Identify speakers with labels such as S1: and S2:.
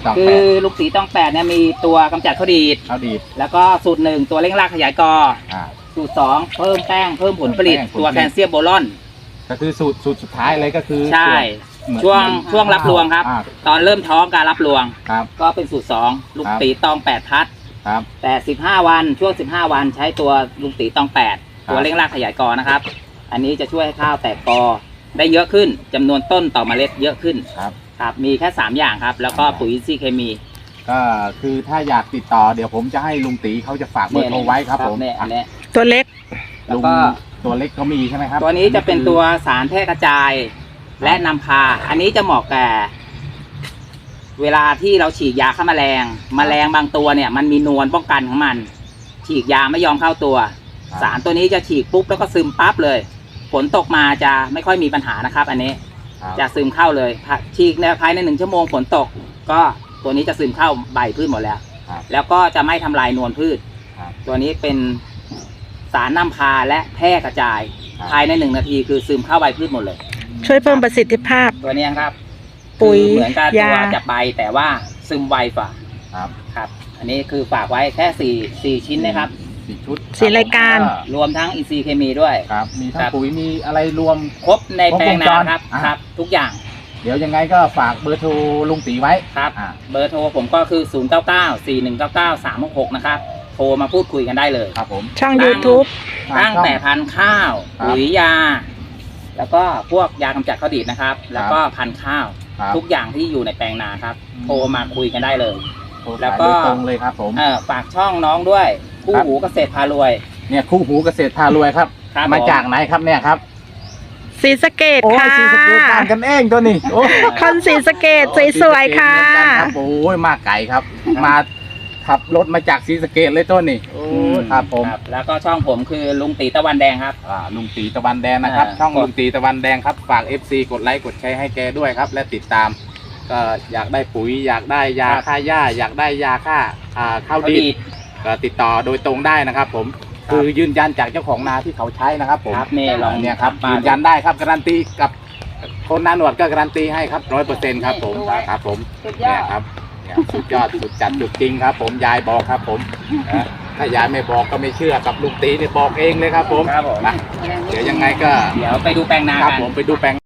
S1: คือลุงตีต้อง8เนี่ยมีตัวกำจัดข้าวดีดแล้วก็สูตร1ตัวเร่งรากขยายกอสูตร2เพิ่มแป้งเพิ่มผลผลิตตัวแคลเซียมโบรอน
S2: ก็คือสูตรสุดท้ายเลยก็คือ
S1: ใช่ช่วงรับรวงครับตอนเริ่มท้องการรับรวงก็เป็นสูตร2ลุงตีต้อง8ทัดแต่15วันช่วง15วันใช้ตัวลุงตีต้อง8ตัวเร่งรากขยายกอนะครับอันนี้จะช่วยให้ข้าวแตกกอได้เยอะขึ้นจำนวนต้นต่อเมล็ดเยอะขึ้นครับมีแค่3อย่างครับแล้วก็ปุ๋ยอินทรีย์เคมี
S2: ก็คือถ้าอยากติดต่อเดี๋ยวผมจะให้ลุงตีเขาจะฝากเบอร์โทรไว้ครับผม
S3: ตัวเล็ก
S1: แล้วก็
S2: ตัวเล็กเขามีใช่ไหมครับ
S1: ตัวนี้จะเป็นตัวสารแพร่กระจายและนำพาอันนี้จะเหมาะแก่เวลาที่เราฉีดยาฆ่าแมลงบางตัวเนี่ยมันมีนวลป้องกันของมันฉีดยาไม่ยอมเข้าตัวสารตัวนี้จะฉีดปุ๊บแล้วก็ซึมปั๊บเลยฝนตกมาจะไม่ค่อยมีปัญหานะครับอันนี้จะซึมเข้าเลยฉีดในภายใน1 ชั่วโมงฝนตกก็ตัวนี้จะซึมเข้าใบพืชหมดแล้วแล้วก็จะไม่ทำลายนวลพืชตัวนี้เป็นสารนำพาและแพร่กระจายภายใน1 นาทีคือซึมเข้าใบพืชหมดเลย
S3: ช่วยเพิ่มประสิทธิภาพ
S1: ตัวนี้ครับ
S3: ปุ๋ย
S1: เหมือนกับตัวจับใบแต่ว่าซึมไวกว่าครับอันนี้คือฝากไว้แค่4ชิ้นนะครับ
S2: 4 ชุด
S3: 4 รายการ
S1: รวมทั้งอินทรีย์เคมีด้วย
S2: ครับมีทั้งปุ๋ยมีอะไรรวม
S1: ครบในแปลงนาครับทุกอย่าง
S2: เดี๋ยวยังไงก็ฝากเบอร์โทรลุงตีไว้
S1: ครับเบอร์โทรผมก็คือ0994199366นะครับโทรมาพูดคุยกันได้เลย
S2: ครับผม
S3: ช่อง YouTube
S1: ตั้งแต่พันธุ์ข้าวปุ๋ยยาแล้วก็พวกยากำจัดข้าวดีดนะครับแล้วก็พันธุ์ข้าวทุกอย่างที่อยู่ในแปลงนาครับโทรมาคุยกันได้เลย
S2: แล้วก็ตรงเลยครับผม
S1: ฝากช่องน้องด้วยคู่หูเกษตรพารวย
S2: เนี่ยคู่หูเกษตรพารวยครับมาจากไหนครับเนี่ยครับ
S3: ศรีสะเกษค่ะ
S2: ศรีสะเกษต่างกันเองตัวนี้
S3: คนศรีสะเกษสวยๆค่ะ
S2: โอ้ยมาไกลครับมาขับรถมาจากศรีสะเกษเลยตัวนี้ครับผม
S1: แล้วก็ช่องผมคือลุงตีตะวันแดงครับ
S2: ลุงตีตะวันแดงนะครับช่องลุงตีตะวันแดงครับฝาก FC กดไลค์กดแชร์ให้แกด้วยครับและติดตามก็อยากได้ปุ๋ยอยากได้ยาฆ่าหญ้าอยากได้ยาฆ่าข้าวดีดก็ติดต่อโดยตรงได้นะครับผมคือยืนยันจากเจ้าของนาที่เขาใช้นะครับผมเนี่ยครับยืนยันได้ครับการันตีกับคนนาหนวดก็การันตีให้ครับ100%ครับผมครับผมเนี่ยครับสุดยอดสุดจัดสุดจริงครับผมยายบอกครับผมถ้ายายไม่บอกก็ไม่เชื่อกับลุงตีเนี่ยบอกเองเลยครับผมเดี๋ยวยังไงก็
S1: เดี๋ยวไปดูแปลงนา
S2: ครับผมไปดูแปลง